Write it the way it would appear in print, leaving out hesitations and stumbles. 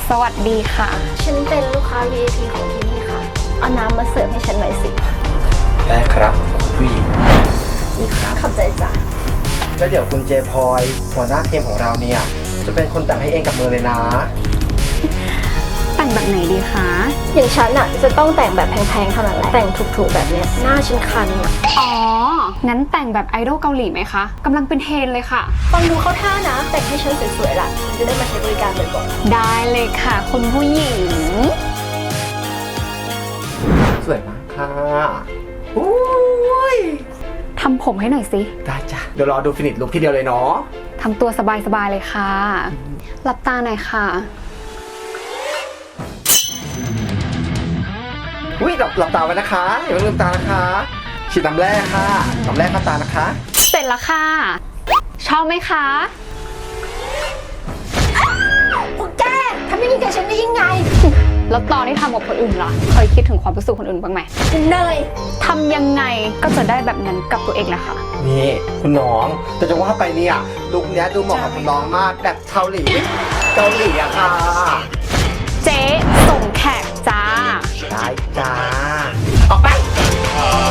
สวัสดีค่ะฉันเป็นลูกค้า VIP ของที่นี่ค่ะ เอาน้ำมาเสิร์ฟให้ฉันหน่อยสิได้ครับคุณผู้หญิงนี่ครับขอบใจจ้ะแล้วเดี๋ยวคุณเจพลอยหัวหน้าทีมของเราเนี่ยจะเป็นคนแต่งให้เองกับมือเลยนะแต่งแบบไหนดีคะอย่างฉันอะจะต้องแต่งแบบแพงๆเท่านั้นแหละ แต่งถูกๆแบบเนี้ยหน้าฉันคันอะอ๋อ งั้นแต่งแบบไอดอลเกาหลีไหมคะกำลังเป็นเทรนด์เลยค่ะฟังดูเข้าท่านะ แต่งให้ฉันสวยๆล่ะฉันจะได้มาใช้บริการบ่อยได้เลยค่ะ คุณผู้หญิงสวยมากค่ะอุ้ยทำผมให้หน่อยสิได้จ้ะเดี๋ยวรอดูฟินิชลุคทีเดียวเลยเนาะทำตัวสบายๆเลยค่ะ หลับตาหน่อยค่ะอุ้ยหลับตาไว้นะคะอย่าเพิ่งลืมตานะคะฉีดน้ำแร่ค่ะน้ำแร่เข้าตานะคะเสร็จแล้วค่ะ ชอบไหมคะๆพวกแกทำอย่างนี้กับฉันได้ยังไงแล้วตอนที่ทำกับคนอื่นล่ะ เคยคิดถึงความรู้สึกคนอื่นบ้างไหมเนยทำยังไงก็จะได้แบบนั้นกับตัวเองแหละค่ะนี่คุณน้องแต่จะว่าไปเนี่ยลุคเนี้ยดูเหมาะกับคุณน้องมากแบบเกาหลีอะค่ะเจ๊ส่งแขกจ้าได้จ้าออกไป